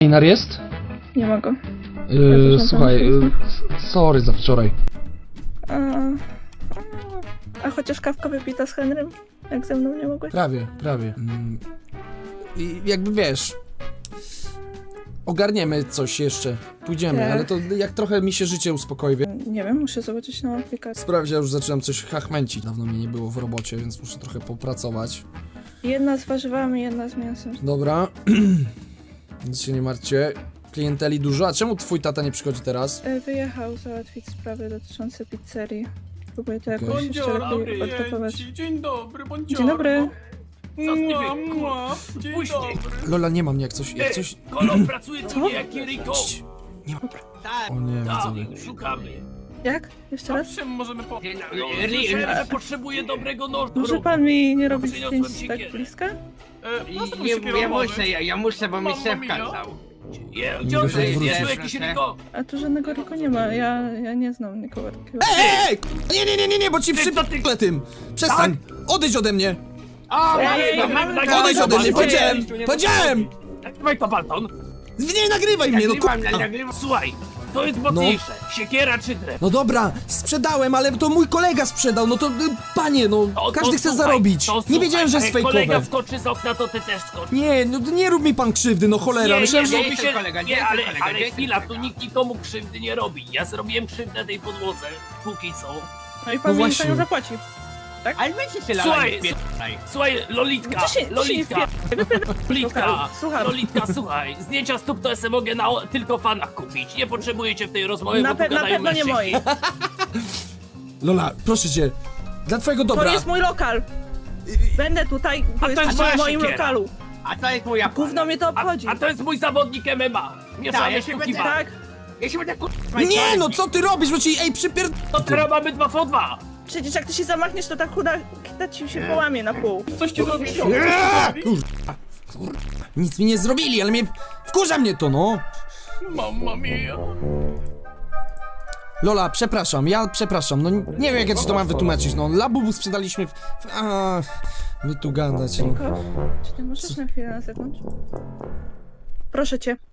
Inar jest? Nie mogę. Słuchaj, sorry za wczoraj. A chociaż kawka wypita z Henrym? Jak ze mną nie mogłeś? Prawie. I jakby wiesz... Ogarniemy coś jeszcze. Pójdziemy, Tak. ale to jak trochę mi się życie uspokoi. Nie wiem, muszę zobaczyć na aplikacji. Sprawdź, ja już zaczynam coś chachmęcić. Dawno mnie nie było w robocie, więc muszę trochę popracować. Jedna z warzywami, jedna z mięsem. Dobra. Nic się nie martwcie. Klienteli dużo. A czemu twój tata nie przychodzi teraz? Wyjechał załatwić sprawy dotyczące pizzerii. Próbuję to jakoś Okej. jeszcze lepiej odtapować. Dzień dobry, bądź Dzień dobry. Dzień Puść dobry. Lola, nie mam jak coś... Kolor pracuje tu nie jak Kiriko. Nie mam... O nie, Tak, widzowie. szukamy. Jak? Jeszcze raz? Czym możemy po... Słyszałem, że potrzebuje dobrego noża. Może pan mi nie robić Przyniosłem zdjęć tak siekierę. bliska? Ja muszę, bo mi Mamma szef mia. kazał. Gdzie on Muszę jest? wrócić. Jest tu jakiś Riko? A tu żadnego Riku nie ma, ja nie znam nikogo takiego. Ej! Nie, bo ci przypnę tym! Przestań! Odejdź ode mnie! Odejdź ode mnie! Powiedziałem! Nagrywaj to, Balton. Nie nagrywaj mnie, no Nagrywam. Słuchaj, to jest mocniejsze. Siekiera czy drew? No dobra, sprzedałem, ale to mój kolega sprzedał, no to panie, no każdy chce zarobić. Nie wiedziałem, że jest jak kolega fejkowe. wskoczy z okna, to ty też skocz. Nie, no nie rób mi pan krzywdy, no cholera. Myślałem, że... nie, jestem kolega, nie nie, jestem kolega, ale nie jestem chwila, tu kolega. nikt nikomu krzywdy nie robi. Ja zrobiłem krzywdę tej podłodze, póki co. No i No pan mi za właśnie. nią zapłaci. Ale weźcie się Słuchaj, lala, Słuchaj, Lolitka, Co się Lolitka, Lolitka, Słucham. Lolitka, słuchaj, zdjęcia stóp to se mogę tylko fanach kupić. Nie potrzebujecie w tej rozmowie, Na bo tu pewno gadają nie mężczyźni. moi. Lola, proszę cię, dla twojego To dobra. jest mój lokal. Będę tutaj, A bo to jest jesteście moja w moim siekiera. lokalu. A to jest moja Gówno mnie to obchodzi. A to jest mój zawodnik MMA. Nie Tak, szaleję ja się sztuki będę- walki. Tak? Ja się będę Nie, no co ty robisz, bo ci, ej, To teraz mamy 2v2. Przecież jak ty się zamachniesz, to ta chuda kita ci się połamie na pół. Coś ci zrobiło? Nic mi nie zrobili, ale mnie... Wkurza mnie to, no. Mamma mia. Lola, przepraszam, ja przepraszam, no nie wiem jak ja ci to mam wytłumaczyć, no Labubu sprzedaliśmy my tu gadać, no. Czy ty możesz na chwilę na zewnątrz? Proszę cię.